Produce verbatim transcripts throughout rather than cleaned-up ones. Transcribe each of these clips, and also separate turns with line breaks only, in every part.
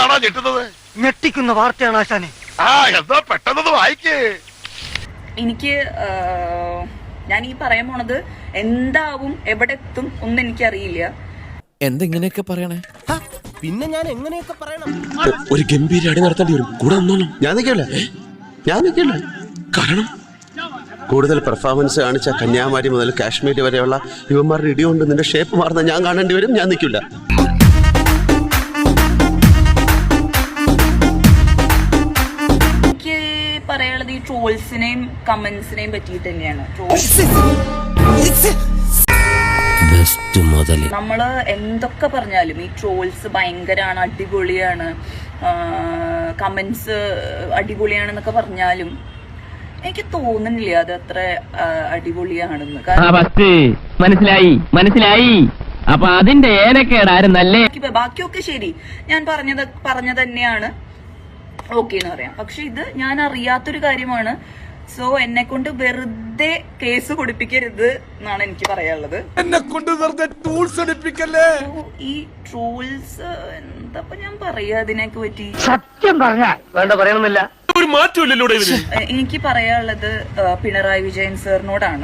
എന്താണോ ഞെട്ടുന്നത്?
ഞെട്ടിക്കുന്ന വാർത്തയാണ് ആശാനെ.
ആ എന്താ പെട്ടെന്ന് വായിക്കേ.
എനിക്ക് ഞാൻ ഈ പറയാൻ പോണത് എന്താവും എവിടെ എത്തും ഒന്നും എനിക്കറിയില്ല.
എന്തെങ്ങനെയൊക്കെ പറയണേ?
പിന്നെ ഞാൻ എങ്ങനെയൊക്കെ പറയണം?
ഒരു ഗംഭീര അടി നടത്തേണ്ടി വരും. കൂടെ ഒന്നോളൂ.
ഞാൻ നിൽക്കില്ല, ഞാൻ നിൽക്കില്ല.
കാരണം
കൂടുതൽ പെർഫോമൻസ് കാണിച്ച കന്യാകുമാരി മുതൽ കാശ്മീർ വരെയുള്ള യുവന്മാരുടെ ഇടികൊണ്ട് നിന്റെ ഷേപ്പ് മാറുന്ന ഞാൻ കാണേണ്ടി വരും. ഞാൻ നിൽക്കില്ല.
എനിക്ക് പറയാനുള്ളത് ഈ ട്രോൾസിനെയും കമന്റ്സിനെയും പറ്റിയിട്ട് തന്നെയാണ്. നമ്മള് എന്തൊക്കെ പറഞ്ഞാലും ഈ ട്രോൾസ് ഭയങ്കരാണ്, അടിപൊളിയാണ്, കമന്റ്സ് അടിപൊളിയാണെന്നൊക്കെ പറഞ്ഞാലും എനിക്ക് തോന്നുന്നില്ല അത് അത്ര അടിപൊളിയാണെന്ന്.
മനസ്സിലായി മനസ്സിലായി അപ്പൊ അതിന്റെ ഏനക്കേടായിരുന്നല്ലേ.
ബാക്കിയൊക്കെ ശരി, ഞാൻ പറഞ്ഞത് പറഞ്ഞത് തന്നെയാണ്, ഓക്കെ എന്ന് പറയാം. പക്ഷെ ഇത് ഞാൻ അറിയാത്തൊരു കാര്യമാണ്. സോ എന്നെ കൊണ്ട് വെറുതെ കേസ് കൊടുപ്പിക്കരുത് എന്നാണ് എനിക്ക് പറയാനുള്ളത്.
എന്നെ കൊണ്ട് വെറുതെ ടൂൾസ് എടുപ്പിക്കല്ലേ.
ഈ ട്രോൾസ് എന്താ ഞാൻ പറയാ അതിനൊക്കെ പറ്റി?
സത്യം പറഞ്ഞാൽ വേണ്ട പറയണമെന്നില്ല,
ഒരു മാറ്റമില്ലല്ലോ.
എനിക്ക് പറയാനുള്ളത് പിണറായി വിജയൻ സാറിനോടാണ്.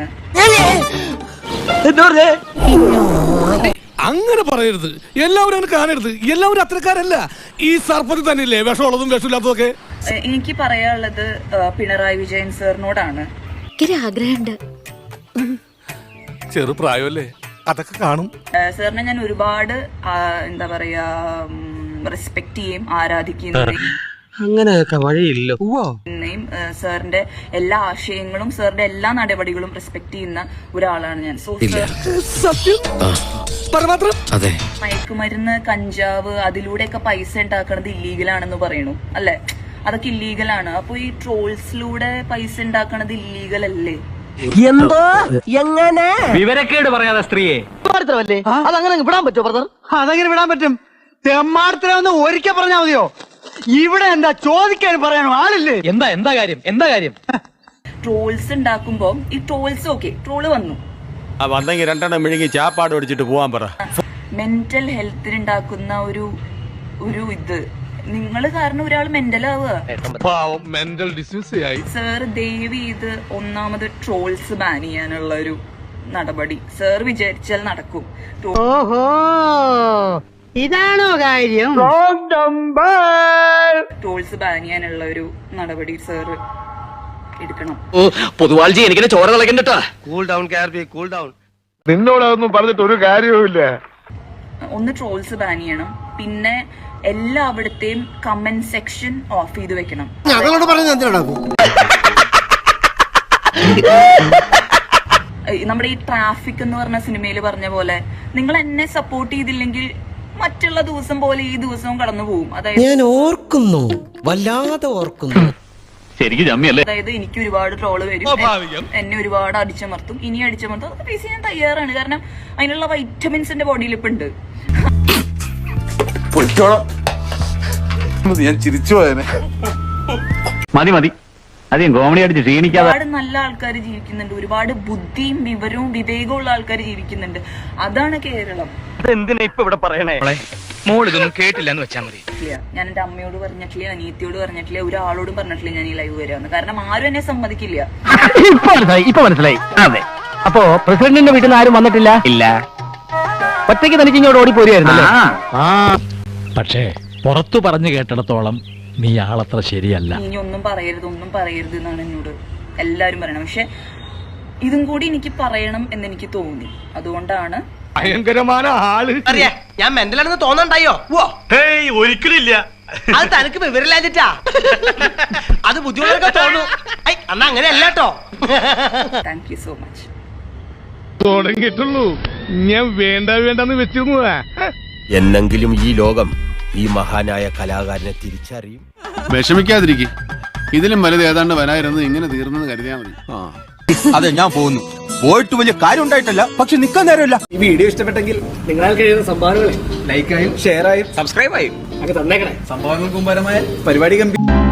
അങ്ങനെ പറയരുത്, എല്ലാവരും അങ്ങനെ കാണരുത്. എല്ലാവരും അത്രക്കാരല്ല. ഈ സർപ്പത്തിൽ തന്നെയല്ലേ വിഷമുള്ളതും വിഷമില്ലാത്തതും ഒക്കെ.
എനിക്ക് പറയാനുള്ളത് പിണറായി വിജയൻ സാറിനോടാണ്.
ആഗ്രഹമുണ്ട്.
ചെറുപ്രായമല്ലേ, അതൊക്കെ കാണും.
സാറിനെ ഞാൻ ഒരുപാട് എന്താ പറയാ റെസ്പെക്ട് ചെയ്യും, ആരാധിക്കുകയും
അങ്ങനെയൊക്കെ വഴിയില്ലോ.
സാറിന്റെ എല്ലാ ആശയങ്ങളും സാറിന്റെ എല്ലാ നടപടികളും റെസ്പെക്ട് ചെയ്യുന്ന ഒരാളാണ് ഞാൻ. സോ മയക്കുമരുന്ന്, കഞ്ചാവ്, അതിലൂടെയൊക്കെ പൈസ ഉണ്ടാക്കണത് ഇല്ലീഗലാണെന്ന് പറയണു അല്ലെ? അതൊക്കെ ഇല്ലീഗലാണ്. അപ്പൊ ഈ ട്രോൾസിലൂടെ പൈസ ഉണ്ടാക്കണത് ഇല്ലീഗൽ അല്ലേ?
എന്തോ എങ്ങനെ
വിവരക്കേട് പറയാതെ സ്ത്രീയെ
അതങ്ങനെ വിടാൻ പറ്റുമോ ബ്രദർ? അതെങ്ങനെ വിടാൻ പറ്റും? തെമ്മാടത്തിലൊന്ന് ഒരിക്കൽ പറഞ്ഞാൽ മതിയോ? ഇവിടെ എന്താ ചോദിക്കാൻ പറയാനോ ആളില്ലേ?
എന്താ എന്താ കാര്യം എന്താ കാര്യം?
ട്രോൾസ് ഉണ്ടാക്കുമ്പോ ഈ ട്രോൾസ് ഓക്കെ ട്രോള് വന്നു
വന്നെങ്കിൽ രണ്ടെണ്ണം മെഴുകി ചാപ്പാട് ഒടിച്ചിട്ട് പോവാൻ പറ.
മെന്റൽ ഹെൽത്തിന് ഉണ്ടാക്കുന്ന ഒരു ഒരു ഇത് നിങ്ങൾ കാരണം ഒരാൾ മെന്റൽ ആവുക.
മെന്റൽ ഡിസീസ് ആയി.
സാർ ദയവ് ചെയ്ത് ഒന്നാമത് ട്രോൾസ് ബാൻ ചെയ്യാനുള്ള ഒരു നടപടി സാർ വിചാരിച്ചാൽ നടക്കും.
ഓഹോ, ഇതാണോ കാര്യം?
ട്രോൾസ് ബാൻ ചെയ്യാനുള്ള ഒരു നടപടി സാർ എടുക്കണം.
പൊതുവാൾജി എനിക്കിനെ ചോര കളക്കണ്ടട്ടാ.
കൂൾ ഡൗൺ കാർബി, കൂൾ ഡൗൺ.
നിന്നോടൊന്നും പറഞ്ഞിട്ട് ഒരു കാര്യവുമില്ല.
ഒന്ന് ട്രോൾസ് ബാൻ ചെയ്യണം. പിന്നെ എല്ലാവിടത്തെയും കമന്റ് സെക്ഷൻ ഓഫ് ചെയ്ത് വെക്കണം.
ഞങ്ങളോട് പറയുന്നത്
നമ്മുടെ ഈ ട്രാഫിക് എന്ന് പറഞ്ഞ സിനിമയിൽ പറഞ്ഞ പോലെ നിങ്ങൾ എന്നെ സപ്പോർട്ട് ചെയ്തില്ലെങ്കിൽ മറ്റുള്ള ദിവസം പോലെ ഈ ദിവസവും കടന്നു പോകും. അതായത്
ഞാൻ ഓർക്കുന്നു, വല്ലാതെ ഓർക്കുന്നു.
അതായത് എനിക്ക് ഒരുപാട് ട്രോള് വരും, എന്നെ ഒരുപാട് അടിച്ചമർത്തും, ഇനി അടിച്ചമർത്തും. അതൊക്കെ ഫേസ് ചെയ്യാൻ തയ്യാറാണ്. കാരണം അതിനുള്ള വൈറ്റമിൻസ് എന്റെ ബോഡിയിൽ ഇപ്പൊ ഉണ്ട്.
ഞാൻ ചിരിച്ചു പോയനെ.
മതി മതി അധികം കോമഡി അടിച്ച് ക്ഷീണിക്കാതെ.
ഒരുപാട് നല്ല ആൾക്കാർ ജീവിക്കുന്നുണ്ട്, ഒരുപാട് ബുദ്ധിയും വിവരവും വിവേകവും ഉള്ള ആൾക്കാർ ജീവിക്കുന്നുണ്ട്. അതാണ് കേരളം.
എന്തിനാ ഇപ്പൊ ഇവിടെ പറയണേ? മോളിതൊന്നും കേട്ടില്ല എന്ന് വെച്ചാൽ മതി.
ഞാൻ എന്റെ അമ്മയോട് പറഞ്ഞിട്ടില്ല, അനിയത്തിയോട് പറഞ്ഞിട്ടില്ല, ഒരാളോടും പറഞ്ഞിട്ടില്ല ഞാൻ ഈ ലൈവ് വരാന്ന്. കാരണം ആരും എന്നെ സമ്മതിക്കില്ല.
ഇപ്പൊ മനസ്സിലായി ഇപ്പൊ മനസ്സിലായി അതെ. അപ്പോ പ്രസിഡന്റിന്റെ വീട്ടിൽ നിന്ന് ആരും വന്നിട്ടില്ല? ഇല്ല. ഒറ്റയ്ക്ക് തനിക്ക് ഇങ്ങോട്ട് ഓടിപ്പോരുമായിരുന്നല്ലേ?
പക്ഷേ പുറത്തു പറഞ്ഞു കേട്ടിടത്തോളം നീ ആളത്ര ശരിയല്ല.
ഇനി ഒന്നും പറയരുത്, ഒന്നും പറയരുത് എന്നാണ് എന്നോട് എല്ലാരും പറയണം. പക്ഷെ ഇതും കൂടി എനിക്ക് പറയണം എന്ന് എനിക്ക് തോന്നി. അതുകൊണ്ടാണ്.
ഭയങ്കരമായ ആള്.
ഞാൻ മെന്റലാണെന്ന് തോന്നണ്ടായോ?
ഒരിക്കലില്ല.
അത് തനിക്ക് വിവരമില്ലാഞ്ഞിട്ടാ. അത് ബുദ്ധിമുട്ടൊക്കെ തോന്നു. അന്ന് അങ്ങനെയല്ല കേട്ടോ.
Thank you so much.
തുടങ്ങിയിട്ടുള്ളൂ. ഞാൻ വേണ്ട വേണ്ടെന്ന് വെച്ചിരുന്നതാ.
എന്നെങ്കിലും ഈ ലോകം ഈ മഹാനായ കലാകാരനെ തിരിച്ചറിയും.
വിഷമിക്കാതിരിക്കും. ഇതിലും വലുത് ഏതാണ്ട് വരായിരുന്നു. ഇങ്ങനെ തീർന്നെന്ന് കരുതിയാൽ മതി.
അതെ, ഞാൻ പോകുന്നു. പോയിട്ട് വലിയ കാര്യം ഉണ്ടായിട്ടല്ല, പക്ഷെ നിക്കാൻ നേരമില്ല.
ഈ വീഡിയോ ഇഷ്ടപ്പെട്ടെങ്കിൽ നിങ്ങൾക്ക് കഴിയുന്ന സംഭാവനകളെ ലൈക്കായും ഷെയറായും സബ്സ്ക്രൈബായും ഒക്കെ തന്നേക്കണേ. സംഭവങ്ങൾക്കും പരമായ പരിപാടി ഗംഭീരം.